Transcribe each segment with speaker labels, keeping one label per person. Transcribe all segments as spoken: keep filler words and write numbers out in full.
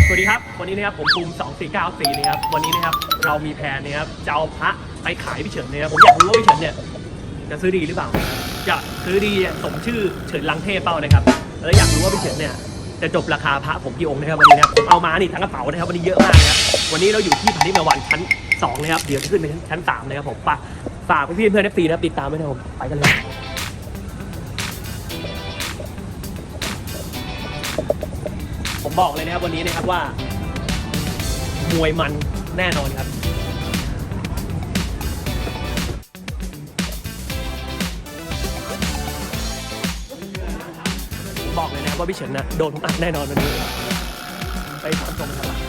Speaker 1: สวัสดีครับวันนี้นะครับผมภูมิสองสี่เก้าสี่นะครับวันนี้นะครับเรามีแผนนะครับจะเอาพระไปขายพี่เฉินนะครับผมอยากรู้ว่าพี่เฉินเนี่ยจะซื้อดีหรือเปล่าจะซื้อดีสมชื่อเฉินลังเทพเป้านะครับแล้วอยากรู้ว่าพี่เฉินเนี่ยจะจบราคาพระผมกี่องค์นะครับวันนี้นะครับผมเอามานี่ทั้งกระเป๋านะครับวันนี้เยอะมากนะครับวันนี้เราอยู่ที่พันธิมาวันชั้นสองนะครับเดี๋ยวจะขึ้นไปชั้นสามนะครับผมฝากฝากพี่เพื่อนเอฟซีนะครับติดตามไว้นะครับผมไปกันเลยผมบอกเลยนะครับวันนี้นะครับว่ามวยมันแน่นอนครับผมบอกเลยนะครับว่าพี่เฉินนะโดนผมอัดแน่นอนวันนี้ไปถามชมกันครับ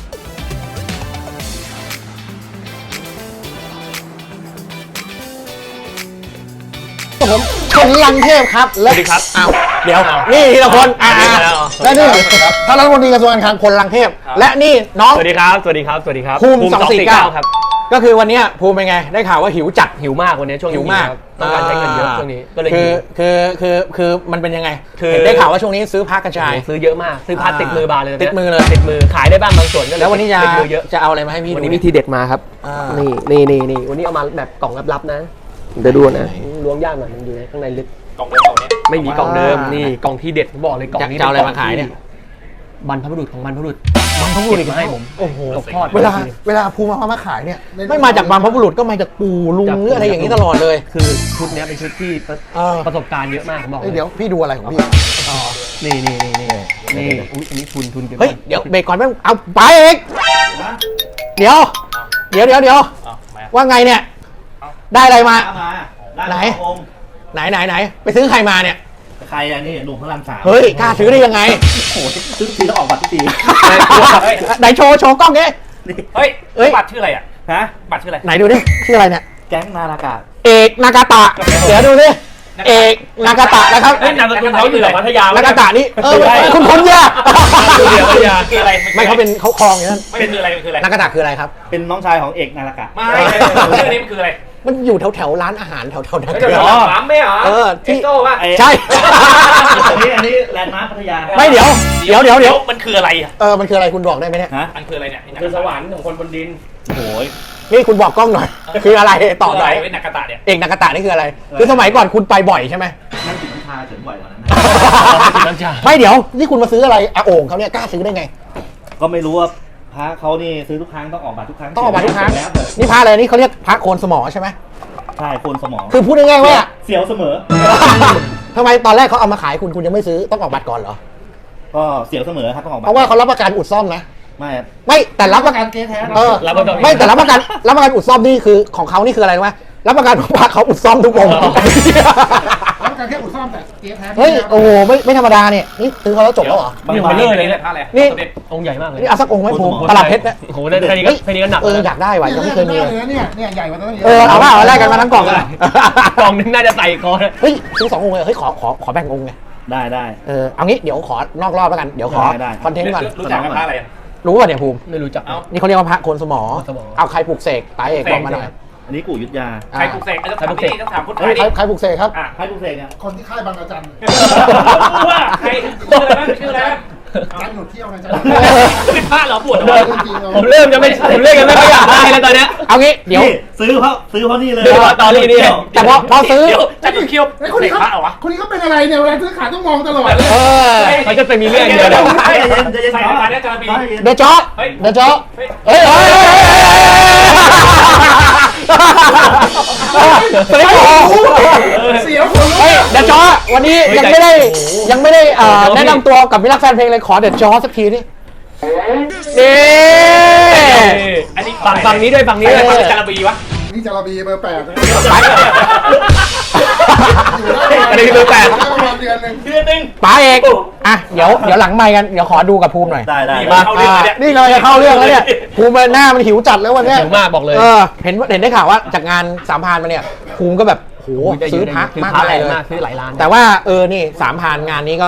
Speaker 2: ผมชนลังเทพครับ
Speaker 1: สวัสดีครับ
Speaker 2: อ้าวเดี๋ยวนี่ทีละคนอ่าและนี่ท่านรัฐมนตรีกระทรวงการคลังพลลังเทพและนี่น้อง
Speaker 1: สวัสดีครับสวัสดีครับสวัสดีครับ
Speaker 2: ภูมิสองสี่เก้า
Speaker 1: ครับ
Speaker 2: ก็คือวันนี้ภูมิเป็นไงได้ข่าวว่าหิวจัด
Speaker 1: หิวมากวันนี้ช่วงนี้
Speaker 2: หิวมาก
Speaker 1: ครับต้องการใช้เงินเยอะช่วงนี้ก็เลย
Speaker 2: คื
Speaker 1: หิ
Speaker 2: อ
Speaker 1: ว
Speaker 2: คือคือคือมันเป็นยังไง
Speaker 1: คือ
Speaker 2: เห็นได้ข่าวว่าช่วงนี้ซื้อผ้ากระจาย
Speaker 1: ซื้อเยอะมากซื้อพาติดมือบานเลย
Speaker 2: ติดมือเลย
Speaker 1: ติดมือขายได้บ้างบางส่วนก็เลย
Speaker 2: แล้ววันนี้จะ
Speaker 1: ติดมือเยอะ
Speaker 2: จะเอาอะไรมาให้พี่
Speaker 1: วัน
Speaker 2: ดู
Speaker 1: นี้มีทีเด็ดมาครับ
Speaker 2: อ่า
Speaker 1: นี่นี่นี่นี่วันนี้เอามาแบบกล่องลับๆนะเดี๋ยวดูนะล้วงยากหน่อยมันอยู่ในข้างในลึก
Speaker 3: กล่องเดิมกล่องนี้
Speaker 1: ไม่มีกล่องเดิมนี่กล่องที่เด็ดผมบอกเลยกล่องนี้
Speaker 2: จะเอาอะไรมาขายเนี่ย
Speaker 1: บรรพบุรุษของบรรพบุรุษ
Speaker 2: บรรพบุรุษอีก
Speaker 1: มาให้ผม
Speaker 2: โอ้โห
Speaker 1: ตกทอด
Speaker 2: เวลาเวลาภูมิเอามาขายเนี่ยไม่มาจากบรรพบุรุษก็มาจากปู่ลุงหรืออะไรอย่างนี้ตลอดเลย
Speaker 1: คือชุดเนี้ยเป็นชุดที่ประ
Speaker 2: เออ
Speaker 1: ประสบการณ์เยอะมากผมบอกเล
Speaker 2: เอ้ย
Speaker 1: ย
Speaker 2: เดี๋ยวพี่ดูอะไรของพี่อ๋อ
Speaker 1: นี่นี่นี่นี่นี่อุ๊ยอันนี้ทุนทุนเก็บ
Speaker 2: เฮ้ยเดี๋ยวเบรกก่อนแม่งเอาไปเอกเดี๋ยว เดี๋ยวเดี๋ยวเดี๋ยว
Speaker 3: อ้าวมา
Speaker 2: ว่าไงเนี่ย ได้อะไรมา
Speaker 3: มาด้
Speaker 2: ไหน
Speaker 3: องค์
Speaker 2: ไหนไหนไหนไปซื้อใครมาเนี่ย
Speaker 3: ใครอ่ะนี่หนุ่มพระรามสาม
Speaker 2: เฮ้ยกล้าซื้อได้ยังไง
Speaker 3: โอ้โหซื้อทีแล้วออกบัตรทุกที
Speaker 2: ไหนโชว์โชว์กล้องนี้
Speaker 3: เฮ้ย
Speaker 2: เอ้ย
Speaker 3: บัตรชื่ออะไรอ่ะฮะบัตรชื่ออะไร
Speaker 2: ไหนดูดิชื่ออะไรเนี่ย
Speaker 3: แก๊งนาฬกา
Speaker 2: เอกนากาตะเดี๋ยวดูดิเอกนากาตะนะครับ
Speaker 1: เฮ้ยนามสกุลเขาอยู่แถวพัทยา
Speaker 2: นากาตะนี่เออคุณคุณเนี่ย
Speaker 3: คืออะไร
Speaker 2: ไม่เขาเป็นเขาคลองอย่างนั้น
Speaker 3: เป็นคืออะไรมันคืออะไร
Speaker 2: นากาตะคืออะไรครับ
Speaker 3: เป็นน้องชายของเอกนาฬกา
Speaker 1: ไม่ชื่อนี้มันคืออะไร
Speaker 2: มันอยู่แถวแถวร้านอาหารแถวแถวนั้น
Speaker 1: เดี๋ยวถามไม่เหรอ
Speaker 2: เออที่
Speaker 1: โซ่ป่ะ
Speaker 3: ไอ้
Speaker 2: ใช่
Speaker 3: อันนี้อันนี้แลนด์มาร์คพัทยา
Speaker 2: ไม่เดี๋ยวเดี๋ยวเดี๋ยวเดี๋ยว
Speaker 1: มันคืออะไรอ่ะ
Speaker 2: เออมันคืออะไรคุณบอกได้ไหมเนี่ย
Speaker 3: ฮะ
Speaker 1: มันคืออะไรเนี่ยคือสวรรค์ของคนบนดิน
Speaker 3: โอ้ย
Speaker 2: นี่คุณบอกกล้องหน่อย คืออะไรตอบหน่อย
Speaker 1: เป็นนักกระตะเนี่ย
Speaker 2: เอกนากาตะนี่คืออะไร คือสมัยก่อนคุณไปบ่อยใช่ไหม
Speaker 3: นั่งจิบน้ำชาเฉินบ่อยกว่านั้นนะ
Speaker 1: น้ำชา
Speaker 2: ไม่เดี๋ยวนี่คุณมาซื้ออะไรอาโอ่งเขาเนี่ยกล้าซื้อได้ไง
Speaker 3: ก็ไม่รู้ว่าพระเขานี่ซื้อทุกครั้งต้องออกบัตรทุกครั้ง
Speaker 2: ต้องออกมาทุกครั้ง
Speaker 3: แล้วแต่
Speaker 2: นี่พระอะไรนี่เขาเรียกพระโคนสมอใช่ไหม
Speaker 3: ใช่คนสมอง
Speaker 2: คือพูดง่ายๆว่า
Speaker 3: เสียวเสมอ
Speaker 2: ทำไมตอนแรกเขาเอามาขายคุณคุณยังไม่ซื้อต้องออกบัตรก่อนเหรอ
Speaker 3: ก็เสียวเสมอครับต้องออกบั
Speaker 2: เพ
Speaker 3: ตร
Speaker 2: ราะว่าเขารับประกันอุดซ่อมนะ
Speaker 3: ไม่
Speaker 2: ไม่แต่รับประกัน
Speaker 3: เก๊แท้
Speaker 2: เออ
Speaker 1: รับประกัน
Speaker 2: ไม่แต่รับประกันรับประกันอุดซ่อมนี่คือของเขานี่คืออะไรรู้ไหมรับประกันว่าเขาอุดซ่อมทุกวง
Speaker 4: รับการแค่อุดซ่อมแต่เกียร์แท้
Speaker 2: เฮ้ยโอ้โหไม่ไม่ธรรมดาเนี่ยนี่ซื้อเขาแล้วจบแล้วเหรอ
Speaker 1: นี่มันเลื่อยเลยเนี่ย
Speaker 2: นี่
Speaker 1: องค์ใหญ่มากเลย
Speaker 2: นี่เอาสักองค์ไหมภูมิตลาดเพชรเนี่ย
Speaker 1: โอ้โหได้แค่นี้ก็แค่นี้ก็หนัก
Speaker 2: เอออยากได้ว่ะยังไม่เคยมีเลย
Speaker 4: เนี่ยเนี่ยใหญ่กว่าตัวนี้
Speaker 2: เออเอาว่าเอาแลกกันมาทั้งกล่องเลย
Speaker 1: กล่องนึงน่าจะใส่คอ
Speaker 2: เฮ้ยซื้อสององค์เลยเฮ้ยขอขอขอแบ่งองค์ไง
Speaker 3: ได้ได้
Speaker 2: เออเอางี้เดี๋ยวขอนอกรอบแล้วกันเดี๋ยวขอ
Speaker 3: ได้ได้
Speaker 2: คอนเทนต์ก่อน
Speaker 1: รู้จักกับพระอะไรอ่ะ
Speaker 2: รู้ป่ะเนี่ยภูมิ
Speaker 1: ไม่รู้จัก
Speaker 2: นี่เขาเรียกว่าพระโคนสมอ
Speaker 1: โคนสมอ
Speaker 2: เอาใครปลูกเสกตายเอกบอกมาหน่อย
Speaker 3: อันนี้กู่ยุทธยา
Speaker 1: ใครปลุกเสกต้องถามที่นี่ต้องถามคนไท
Speaker 2: เฮ้
Speaker 1: ย
Speaker 2: ยใครใครปลูกเสกครับ
Speaker 1: อ่ะ
Speaker 3: ใครปลูกเสกเนี่ย
Speaker 4: คนที่ค่ายบางระจัน
Speaker 1: ว่าใครชื่ออะไรบ้างชื่ออะไรบ้าง
Speaker 4: ร้านหนุดเที่ยวนะจ๊ะ
Speaker 1: เป็นพระเหรอปวด
Speaker 4: เอ
Speaker 1: หัว
Speaker 4: อจริงๆ
Speaker 1: ผมเริ่มจะไม่ผมเริ่มจะไม่ค่อยอยากได้แล้วตอนเนี้ย
Speaker 2: เอางี้เดี๋ยว
Speaker 3: นี่ซื้อเพราะซื้อเพราะนี่เลย
Speaker 1: เดี๋ยวตอนนี้นี่
Speaker 2: แต่พอพอซื้อ
Speaker 1: เดี๋ยวจะดูเคียว
Speaker 4: ไอ้คนนี้
Speaker 1: เสก
Speaker 4: เขา
Speaker 1: พระเหรอวะ
Speaker 4: คนนี้เขาเป็นอะไรเนี่ยเวลาซื้อขายต้องมองตลอดเลย
Speaker 2: เออ
Speaker 1: เขาจะไปมีเรื่องเดียวเดี๋ยว
Speaker 3: ใจเย็นใจเย็น
Speaker 1: ใส่
Speaker 3: ขอ
Speaker 1: มาเนี่ยจะมี
Speaker 3: ใจเย็น
Speaker 2: เดยวจ๊อ
Speaker 1: เฮ้ย
Speaker 2: เดยวจ๊อเฮ้ยเฮ้ยเฮ้ยเฮ้ย
Speaker 4: เสียวคน
Speaker 2: เฮ้ยเดยวจ๊อวันนี้ยังไม่ได้ยังไม่ได้เอ่อแนะนำตัวกับมิตรรักแฟนเพลงเลยขอเดยวจ๊อสักทีนี่นี่
Speaker 1: อันนี้ฝั่งฝั่งนี้ด้วยฝั่งนี้ด้วยฝั่งจาระบีวะ
Speaker 4: นี่จาระบีเบอร์แปดนะ
Speaker 1: อันนี้เบอร์แปด
Speaker 4: ได้ประมาณเดือนหนึ่ง
Speaker 1: เดือนหนึ่ง
Speaker 2: ป๋าเอกอ่ะเดี๋ยวเดี๋ยวหลังไมค์กันเดี๋ยวขอดูกับภูมิหน่อย
Speaker 3: ได้ได้
Speaker 1: มา
Speaker 2: อ่านี่เลยจะเข้าเรื่องแล้วเนี่ยภูมิหน้ามันหิวจัดแล้ววันเนี้ย
Speaker 1: หิวมากบอกเลย
Speaker 2: เออเห็นเห็นได้ข่าวว่าจากงานสามพรานมาเนี่ยภูมิก็แบบโหซื้อพระมากมายเลย
Speaker 1: มากซื้อหลายล้าน
Speaker 2: แต่ว่าเออนี่สามพรานงานนี้ก็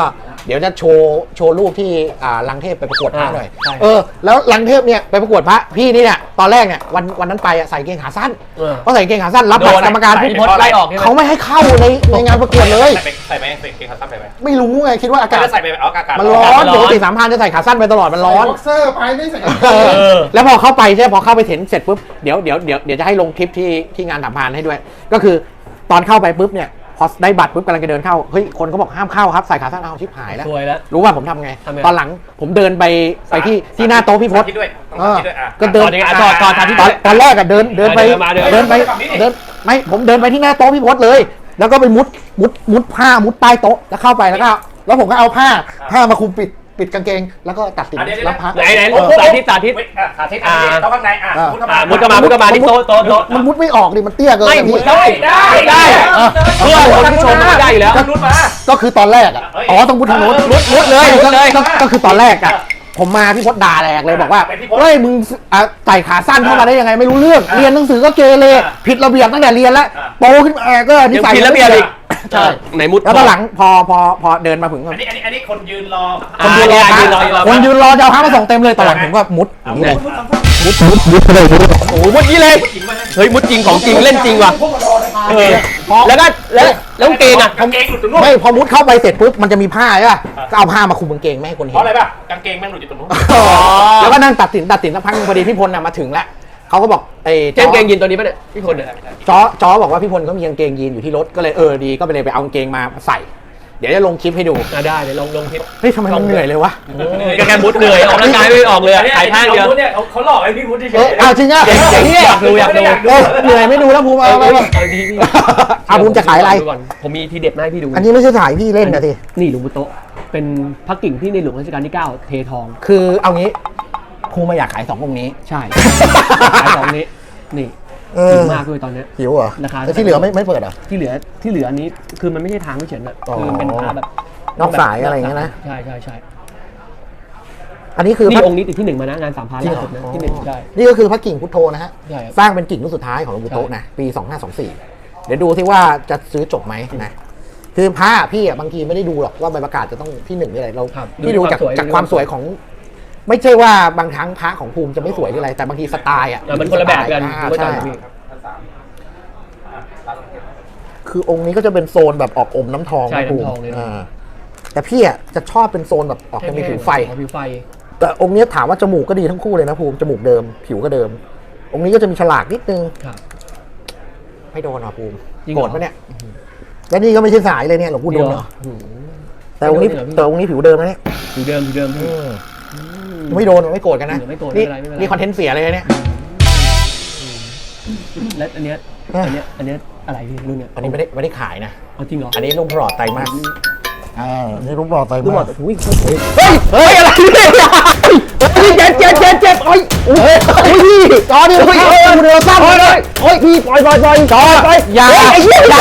Speaker 2: เดี๋ยวจะโชว์โชว์รูปที่อ่าลังเทพไปประกวดพระหน่อย
Speaker 1: ใช่
Speaker 2: เออแล้วลังเทพเนี่ยไปประกวดพระพี่นี่เนี่ยตอนแรกเนี่ยวันวันนั้นไปอะใส่กางเกงขาสั้น
Speaker 1: เออ
Speaker 2: เพราะใส่กางเกงขาสั้นรับบัตรกรรมการ
Speaker 1: พี่พศไล่ออกใช่ไหม
Speaker 2: เขาไม่ให้เข้าในในงานประกวดเลย
Speaker 3: ใส่ไปใส่ไปใส่เกงขาสั้นไปไหม
Speaker 2: ไม่รู้ไงคิดว่าอากาศ
Speaker 3: จะใส่ไปเอาอากาศ
Speaker 2: มันร้อน
Speaker 1: มันร้
Speaker 2: ป
Speaker 1: อน
Speaker 2: กติสามพันจะใส่ขาสั้นไปตลอดมันร้อน
Speaker 4: บ็อกเซอร์ไปไม่ใส่กางเก
Speaker 2: เออ
Speaker 4: ง
Speaker 2: แล้วพอเข้าไปใช่พอเข้าไปถึงเสร็จปุ๊บเดี๋ยวเดี๋ยวเดี๋ยวเดี๋ยวจะให้ลงคลิปที่ที่งานสัมพันธ์ให้ด้วย ก็คือตอนเข้าไปปุ๊บเนี่ยพอได้บัตรปุ๊บกำลังจะเดินเข้าเฮ้ยคนเขาบอกห้ามเข้าครับใส่ขาสั้นเอาชิบหายแล้ว
Speaker 1: สวยแล้ว
Speaker 2: รู้ว่าผมทำไง
Speaker 1: ทำไง
Speaker 2: ตอนหลังผมเดินไปไปที่ที่หน้าโต๊ะพี่พศ
Speaker 3: คิดด้วยต้อง
Speaker 2: เออ
Speaker 3: คิดด้วยอ่ะ
Speaker 2: ก็เดิน
Speaker 1: ตอนนี้อ่ะต่อต่อทางที่
Speaker 2: ตอนตอนแรกอะเดินเดินไป
Speaker 1: เดินมาเดิน
Speaker 2: เดินไป
Speaker 3: ฝั่งนี้ดิ
Speaker 2: เดินไม่ผมเดินไปที่หน้าโต๊ะพี่พศเลย แล้วก็ไปมุดมุดมุดผ้ามุดใต้โต๊ะแล้วเข้าไปแล้วก็แล้วผมก็เอาผ้าผ้ามาคลุมปิดปิดกางเกง แล้วก็ตัดสิน
Speaker 3: อ่ะเดี๋ยว
Speaker 2: รับพระ
Speaker 1: ไหนไหน
Speaker 2: เออ
Speaker 1: สาธิตสาธิต
Speaker 3: เว้ยอ่ะขาทิศอ่ะเข้าข้างในอ่ะ
Speaker 2: อ่ะ
Speaker 3: มุดเข้า
Speaker 1: อ่ะ
Speaker 3: มา
Speaker 1: มุดเข้ามามุดเข้ามาที่โต๊ะโต๊ะโต๊ะ
Speaker 2: มันมุดไม่ออกดิมันเตี้ยเกิน
Speaker 1: ไม่
Speaker 2: อัน
Speaker 1: มุ
Speaker 2: นี้
Speaker 1: ดได้ได้ได้เพื่อคนที่ชมมันได้อยู่แล้ว
Speaker 3: ก็มุดมา
Speaker 2: ก็คือตอนแรกอ่ะ
Speaker 3: เอ้ย
Speaker 2: อ๋อต้องมุดทางโน้นมุดมุดเลยก็ก็ก็คือตอนแรกอ่ะผมมาพี่พศด่าแหลกเลยบอกว่า
Speaker 3: เป็นพี่พศ
Speaker 2: เฮ้ยมึงอ่ะใส่ขาสั้นเข้ามาได้ยังไงไม่รู้เรื่อง
Speaker 3: อ่ะ
Speaker 2: เรียนหนังสือก็เกเร
Speaker 3: อ่ะ
Speaker 2: ผิดระเบียบตั้งแต่เรียนแล้ว
Speaker 3: อ่ะ
Speaker 2: โตขึ้นมาก็นิ
Speaker 1: ยัง
Speaker 2: สัย
Speaker 1: ผิดระเบียบอีก
Speaker 2: ใช่
Speaker 1: ไหนมุด
Speaker 2: แล้วตอนหลังพอพอพอเดินมาถึง
Speaker 3: อันนี้อันนี้อันนี้คนยืนรอ
Speaker 1: คนยืนรอยืนรอยืนรอ
Speaker 2: คนยืนรอจะเอาพระมาส่งเต็มเลยตอนหลังผมก็มุดอย่างนี้เลยมุดมุดมุดเลยมุด
Speaker 1: โอ้โหมุดนี้เลย เฮ้ยมุดจริงของจริงเล่นจริงว่ะเออแล้วก็แล้วแล้วกางเกงอ่ะ
Speaker 3: กางเกงหลุดตรงนู้น
Speaker 2: ไม่พอมุดเข้าไปเสร็จปุ๊บมันจะมีผ้าใช่ป่ะก็เอาผ้ามาคลุมกางเกงไม่ให้คน
Speaker 3: เพ
Speaker 2: เห็
Speaker 3: ราะ
Speaker 2: น
Speaker 3: อะไรป่ะกางเกงแม่งหลุดอยู่ตรงนู้น
Speaker 2: แล้วก็นั่งตัดสินตัดสินสักพักนึงพอดีพี่พลน่ะมาถึงแล้วเขาก็บอกไอ้
Speaker 1: เจมเกงยีนตัวนี้ป่ะเนี่ยพี่คนเนี่ย
Speaker 2: จอจอบอกว่าพี่พลเขามีกางเกงยีนอยู่ที่รถก็เลยเออดีก็ไปเลยไปเอากางเกงมาใส่ เดี๋ยวจะลงคลิปให้ดู
Speaker 1: อ่ะได้เดี๋ยวลองลงคลิป
Speaker 2: เฮ้ยทำไมมันเหนื่อยเลยวะ
Speaker 1: ก็แค่มุดเหนื่อยออกร่างกายไม่ออกเลย
Speaker 3: อันนี้
Speaker 1: ถ่ายท่าเดียว
Speaker 3: เนี่ยเขาเขาหลอกให้พี่มุดเฉย
Speaker 2: เออเอาจริงอ่ะ
Speaker 1: เจ๋งเจ๋งอยากดูอยากดู
Speaker 2: เออเหนื่อยไม่ดูแล้วภูมิเอาไปไป
Speaker 1: เอาดีพี่
Speaker 2: เอาภูมิจะขายอะไร
Speaker 1: ดูก่นผมมีทีเด็ดมาให้พี่ดู
Speaker 2: อันนี้ไม่ใช่ถ่ายพี่เล่นนะที
Speaker 1: นี่หลวงปู่โตะเป็นพระกิ่งที่ในหลวงรัชกาลที่เก้าเททอง
Speaker 2: คือเอางี้ภูมิมาอยากขายสององค์นี้
Speaker 1: ใช่ขายสองนี้นี่
Speaker 2: เอ
Speaker 1: หิ
Speaker 2: อ
Speaker 1: วมากด้วยตอนเนี้ย
Speaker 2: หิวเหรอ
Speaker 1: ราคา
Speaker 2: แต่ที่เหลือไม่ไม่เปิดเหรอ
Speaker 1: ที่เหลือที่เหลืออันนี้คือมันไม่ใช่ทางไม่เฉินอะ
Speaker 2: อ๋อ
Speaker 1: คือมันเป็นพระแบบ
Speaker 2: นอกสายอะไรอย่างเงี้ยนะ
Speaker 1: ใช่ใช่ใช่
Speaker 2: อันนี้คือ
Speaker 1: นี่
Speaker 2: พระ
Speaker 1: องค์นี้ติดที่หนึ่งมานะงานสามพัน
Speaker 2: จริง
Speaker 1: ล่า
Speaker 2: เหรอ
Speaker 1: สุดนะ
Speaker 2: อ๋อ
Speaker 1: ที่หนึ่งใช่
Speaker 2: นี่ก็คือพระกิ่งพุทโธนะฮะ
Speaker 1: ใช่ครับ
Speaker 2: สร้างเป็นกิ่งรุ่นสุดท้ายของหลวงปู่โต๊ะนะ ปี สองห้าสองสี่ เดี๋ยวดูที่ว่าจะซื้อจบไหมนะ คือพระพี่อ่ะบางทีไม่ได้ดูหรอกว่าใบประกาศจะต้องที่หนึ่งหรืออะไร เรา
Speaker 1: ครับ
Speaker 2: พี่ดูจาก
Speaker 1: ดูความสวย
Speaker 2: จากความสวยของ ไม่ใช่ว่าบางครั้งพระของภูมิจะไม่สวยหรืออะไร แต่บางทีสไตล์อ่ะ
Speaker 1: อ่ะมันคนละแบบกัน
Speaker 2: อ่า
Speaker 1: ผมเข้าใจ
Speaker 2: ใช่
Speaker 1: พี่
Speaker 2: คือองค์นี้ก็จะเป็นโซนแบบออกอมน้ำทอง
Speaker 1: ใช่
Speaker 2: นะภูมิ
Speaker 1: น้ำทองเลยนะ
Speaker 2: อ่าแต่พี่อ่ะจะชอบเป็นโซนแบบออกจะมีผิวไฟ
Speaker 1: อ๋อผิวไฟ
Speaker 2: แต่องค์เนี้ยถามว่าจมูกก็ดีทั้งคู่เลยนะภูมิจมูกเดิม ผิวก็เดิม องค์นี้ก็จะมีฉลากนิดนึง
Speaker 1: ครับ
Speaker 2: ไม่โดนหรอภูมิ
Speaker 1: จริงเหร
Speaker 2: โก
Speaker 1: อ
Speaker 2: รธปะเนี่ย แล้วนี่ก็ไม่ใช่สายเลยเนี่ยหลวงปู่ดุล
Speaker 1: เดียว
Speaker 2: เนาะ
Speaker 1: อืม
Speaker 2: แต่องค์นี้
Speaker 1: ไม่โดนเหรอพี่
Speaker 2: แต่องค์นี้ผิวเดิมนะเนี่ย
Speaker 1: ผิวเดิมผิวเดิมพี่
Speaker 2: ไม่โดนไม่โกรธกันนะ
Speaker 1: ไม่โกรธ
Speaker 2: นี่
Speaker 1: ไม่เป็นไรไม่เป็นไร
Speaker 2: นี่คอนเทนต์เสียเลยนะเนี่ย
Speaker 1: และอันเนี้ย
Speaker 2: อ่ะ
Speaker 1: อันเนี้ยอันเนี้ยอะไรพี่รุ่นเนี้ย
Speaker 2: อันนี้ไม่ได้ไม่ได้ขายนะ
Speaker 1: เอาจริงเหรอ
Speaker 2: อันนี้ลูกหลอดไตรมาสอ่านี่ลูกหลอดไตร
Speaker 1: รุ่นหม
Speaker 2: มา
Speaker 1: ด
Speaker 2: ส
Speaker 1: อุ้ย
Speaker 2: เฮ้ยเฮ้ยอะไรเนี่ยเฮ้ยเจ็บเจ็บเจ็บเจ็บโอ้ยโอ้ยโอ้ยพี่จอนี่โอ้ยโอ้ยเรือซ้ำเลยโอ้ยพี่ปล่อยปล่อยปล่อยจอปล่อยอย่าไอ้เหี้ยอย่า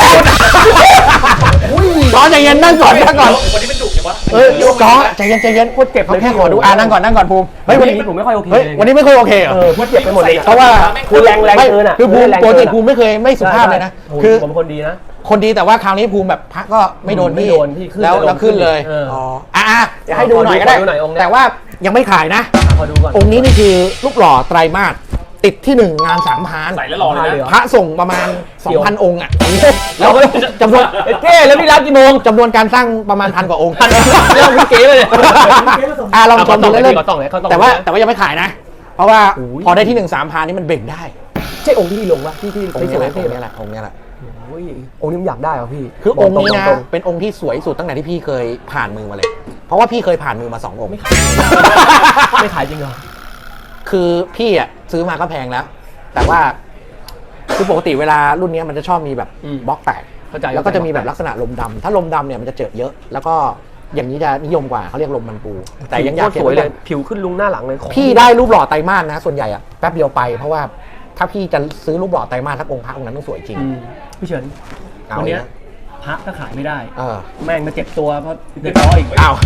Speaker 2: จอใจเย็นนั่งก่อนนั่งก่อน
Speaker 3: วันนี้เป็นดุอย่างวะ
Speaker 2: เออจอใจเย็นใจเย็นพูดเจ็บเขาแค่ขอดูอ่านั่งก่อนนั่งก่อนภูมิ
Speaker 1: เฮ้
Speaker 2: เฮ้
Speaker 1: ย
Speaker 2: ย
Speaker 1: วั
Speaker 2: วัน นนี้
Speaker 1: นี้ผมไม่ค่อยโอเค
Speaker 2: เฮ้ย
Speaker 1: เลย
Speaker 2: วันนี้ไม่ค่อยโอเคเหรอ
Speaker 1: เออพูดเจ็บไปหมดเลย
Speaker 2: เพราะว่า
Speaker 1: คือแรงแรงเกินอ่ะ
Speaker 2: คือภูมิ
Speaker 1: แรง
Speaker 2: ป
Speaker 1: เกิ
Speaker 2: ก
Speaker 1: น
Speaker 2: ติ
Speaker 1: อะ
Speaker 2: ภูมิไม่เคยไม่สุภาพเลยนะ
Speaker 1: โอ้โห
Speaker 2: คือ
Speaker 1: ผมเป็นคนดีนะ
Speaker 2: คนดีแต่ว่าคราวนี้ภูมิแบบพักก็ไม่โดน
Speaker 1: ไม่
Speaker 2: พี่
Speaker 1: โดนพี่ขึ้น
Speaker 2: แล้ว
Speaker 1: แต่ลง
Speaker 2: แล้วขึ้นเลย
Speaker 1: เอออ๋
Speaker 2: อ๋ออ่ะเดี๋ยวให้ดูหน่อยก็ได้
Speaker 1: ขอดูหน่อยองค์เนี้ย
Speaker 2: แต่ว่ายังไม่ขายนะ
Speaker 1: ขอดูก่อน
Speaker 2: องค์นี้นี่คือลูกหล่อไตรมาสติดที่หนึ่งงานสามพาน
Speaker 3: ใส่แล้วหล่อเลย
Speaker 1: เลยเหร
Speaker 3: นะ
Speaker 1: อ
Speaker 2: พระส่งประมาณ 2,000 องค์อ่ะ
Speaker 1: เราก็จำนวนเท่แล้วพี่รับกี่โมง
Speaker 2: จำนวนการสร้างประมาณพันกว่าองค์
Speaker 1: พันเรื่องพี่เก๋เลยเนี่ย
Speaker 2: อ่ะลองชมดู
Speaker 1: เอา
Speaker 2: เล่น
Speaker 1: เขาต้องเลยเขาต้องเลย
Speaker 2: ๆแต่ว่าแต่ว่ายังไม่ขายนะ เพราะว่า
Speaker 1: โอ้ย
Speaker 2: พอได้ที่หนึ่งสามพานนี่มันเบ่งได้
Speaker 1: ใช่องค์ที่พี่ลงวะที่ที่
Speaker 2: องค์
Speaker 1: ส
Speaker 2: นี้
Speaker 1: ว
Speaker 2: แห
Speaker 1: ย
Speaker 2: ละ
Speaker 1: ๆเท่
Speaker 2: องค์
Speaker 1: ไหม
Speaker 2: นี้แหละองค์นี้แหละ
Speaker 1: โอ้ยองค์นี้ผมอยากได้เหรอพี่
Speaker 2: คือองค์นี้นะ
Speaker 1: ตรง
Speaker 2: เป็นองค์ที่สวยสุดตั้งแต่ที่พี่เคยผ่านมือมาเลย เพราะว่าพี่เคยผ่านมือมาสององค์
Speaker 1: ๆไม่ขายจริงเหรอ
Speaker 2: คือพี่อ่ะซื้อมาก็แพงแล้ว แต่ว่าคือปกติเวลารุ่นเนี้ยมันจะชอบมีแบบ
Speaker 1: อืม
Speaker 2: บล็อกแตก
Speaker 1: เข้าใจ
Speaker 2: แล้วก็จะมีแบบลักษณะลมดำถ้าลมดำเนี่ยมันจะเจอเยอะ แล้วก็อย่างนี้จะนิยมกว่าเขาเรียกลมมันปู แต่ยังอยาก
Speaker 1: โคตรสวยเลยผิวขึ้นลุงหน้าหลังเลย
Speaker 2: พี่ได้รูปหล่อไตรมาสนะส่วนใหญ่อะแป๊บเดียวไปเพราะว่าถ้าพี่จะซื้อรูปหล่อไตรมาสทักองค์พระองค์นั้นต้องสวยจริง
Speaker 1: อืมพี่เฉิน
Speaker 2: เอา
Speaker 1: วันเนี้ย
Speaker 2: นะ
Speaker 1: พระก็ขายไม่ได้
Speaker 2: เออ
Speaker 1: แม่งมาเจ็บตัวเพราะเดือดร้อนอีก
Speaker 2: อ้าว
Speaker 1: แพ